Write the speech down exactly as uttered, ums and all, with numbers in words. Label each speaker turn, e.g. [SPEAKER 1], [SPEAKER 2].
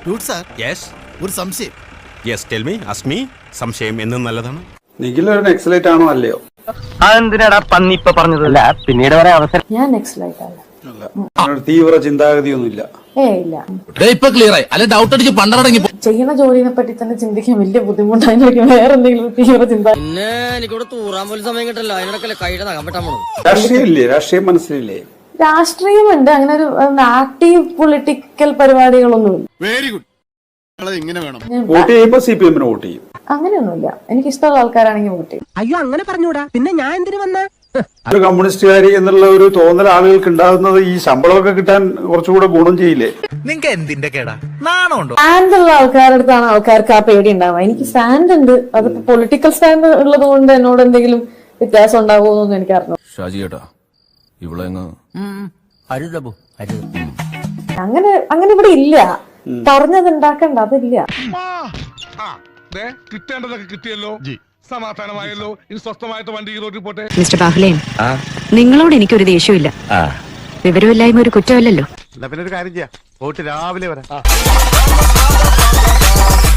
[SPEAKER 1] ഒരു സംശയം. Yes tell me, ask me. സംശയം എന്നും നല്ലതാണ്.
[SPEAKER 2] നിഖിൽ ഒരു നെക്സലൈറ്റ് ആണോ അല്ലയോ?
[SPEAKER 3] അതെന്തിനാടാ പന്നി ഇപ്പൊ പറഞ്ഞതല്ല, പിന്നീട് വരെ അവസരം.
[SPEAKER 4] ഞാൻ നെക്സലൈറ്റ് അല്ല.
[SPEAKER 2] തീവ്ര ചിന്താഗതിയൊന്നുമില്ല.
[SPEAKER 4] ഏ ഇല്ല.
[SPEAKER 5] ഇപ്പൊ ക്ലിയർ ആയി. അല്ലെ ഡൗട്ട് അടിച്ച് പണ്ടടങ്ങി
[SPEAKER 4] ചെയ്യുന്ന ജോലിനെ പറ്റി തന്നെ ചിന്തിക്കാൻ വലിയ ബുദ്ധിമുട്ടായിരിക്കും. വേറെ എന്തെങ്കിലും തീവ്ര ചിന്ത.
[SPEAKER 6] പിന്നെ എനിക്കിവിടെ തൂറാൻ പോലും സമയം കിട്ടല്ലോ. അതിനൊക്കെ കൈയുടെ നഖം വെട്ടാൻ പോണു.
[SPEAKER 2] രാഷ്ട്രീയമില്ലേ? രാഷ്ട്രീയം മനസ്സിലില്ലേ?
[SPEAKER 4] രാഷ്ട്രീയമുണ്ട്. അങ്ങനെ ഒരു ആക്റ്റീവ് പൊളിറ്റിക്കൽ പരിപാടികളൊന്നുമില്ല.
[SPEAKER 1] Very good. ഇങ്ങനെ വേണം.
[SPEAKER 2] വോട്ട് ചെയ്യുമ്പോ സി പി എമ്മിന് വോട്ട് ചെയ്യും.
[SPEAKER 4] അങ്ങനെയൊന്നുമില്ല. എനിക്ക് ഇഷ്ടമുള്ള ആൾക്കാരാണെങ്കിൽ വോട്ട് ചെയ്യും.
[SPEAKER 6] അയ്യോ അങ്ങനെ പറഞ്ഞൂടാ. പിന്നെ ഞാൻ എന്തിനു വന്ന
[SPEAKER 2] ഒരു കമ്മ്യൂണിസ്റ്റുകാരി എന്നുള്ള ഒരു തോന്നൽ ആളുകൾക്ക് ഉണ്ടാകുന്നത് ഈ ശമ്പളമൊക്കെ കിട്ടാൻ കുറച്ചുകൂടെ ഗുണം ചെയ്യില്ലേ?
[SPEAKER 5] നിങ്ങക്ക് എന്തിന്റെ കേടാ? നാണമുണ്ടോ?
[SPEAKER 4] സ്റ്റാൻഡ് ഉള്ള ആൾക്കാരുടെ അടുത്താണ് ആൾക്കാർക്ക് ആ പേടി ഉണ്ടാവുക. എനിക്ക് സ്റ്റാൻഡ് ഉണ്ട്. അതിപ്പോ പൊളിറ്റിക്കൽ സ്റ്റാൻഡ് ഉള്ളത് കൊണ്ട് എന്നോട് എന്തെങ്കിലും വ്യത്യാസം ഉണ്ടാകുമോന്നൊന്നും എനിക്ക് അറിഞ്ഞു.
[SPEAKER 5] ഷാജി ചേട്ടാ ഇവിടെ
[SPEAKER 4] അങ്ങനെ അങ്ങനെ ഇവിടെ ഇല്ല. പറഞ്ഞത് ഉണ്ടാക്കണ്ട, അതില്ല.
[SPEAKER 7] കിട്ടേണ്ടതൊക്കെ കിട്ടിയല്ലോ, സമാധാനമായല്ലോ. ഇനി സ്വസ്ഥമായിട്ട് വണ്ടി റോഡിൽ പോട്ടെ.
[SPEAKER 8] മിസ്റ്റർ ബാഹ്ലേൻ, നിങ്ങളോട് എനിക്കൊരു ദേഷ്യമില്ല. വിവരമില്ലായ്മ ഒരു കുറ്റമല്ലല്ലോ.
[SPEAKER 1] പിന്നെ ഒരു കാര്യം ചെയ്യാം, പോയിട്ട് രാവിലെ വരാം.